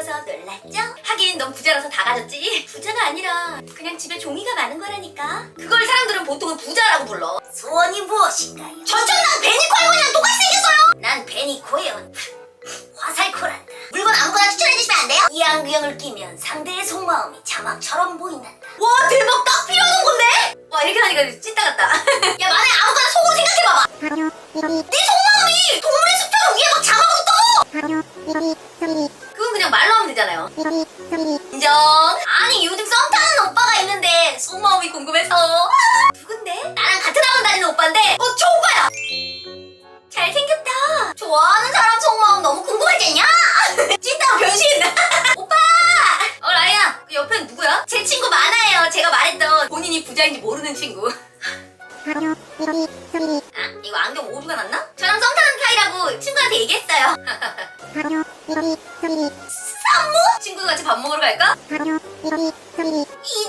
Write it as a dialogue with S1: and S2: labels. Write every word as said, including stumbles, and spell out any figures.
S1: 보여서 놀랐죠? 하긴 넌 부자라서 다 가졌지? 부자가 아니라 그냥 집에 종이가 많은 거라니까. 그걸 사람들은 보통은 부자라고 불러. 소원이 무엇인가요? 전처럼 난 베니코 할머니랑 똑같이 생겼어요. 난 베니코예요. 화살코란다. 물건 아무거나 추천해주시면 안 돼요? 이 안경을 끼면 상대의 속마음이 자막처럼 보인단다. 와 대박, 딱 필요한 건데? 와 이렇게 하니까 찐따 같다. 야 만약에 아무거나 속으로 생각해봐봐. 네 속마음이 동물의 숲처럼 위에 막 자막으로 떠. 그건 그냥 말로 하면 되잖아요. 인정. 아니 요즘 썸 타는 오빠가 있는데 속마음이 궁금해서. 누군데? 나랑 같은 학원 다니는 오빠인데 어 저 오빠야. 잘생겼다. 좋아하는 사람 속마음 너무 궁금하지 않냐? 찐따 변신. 오빠. 어 라이야, 그 옆엔 누구야? 제 친구 많아요. 제가 말했던 본인이 부자인지 모르는 친구. 아 이거 안경 오류가 났나? 저랑 썸 타는 사이라고 친구한테 얘기했어요. 산모? 친구가 같이 밥 먹으러 갈까? 이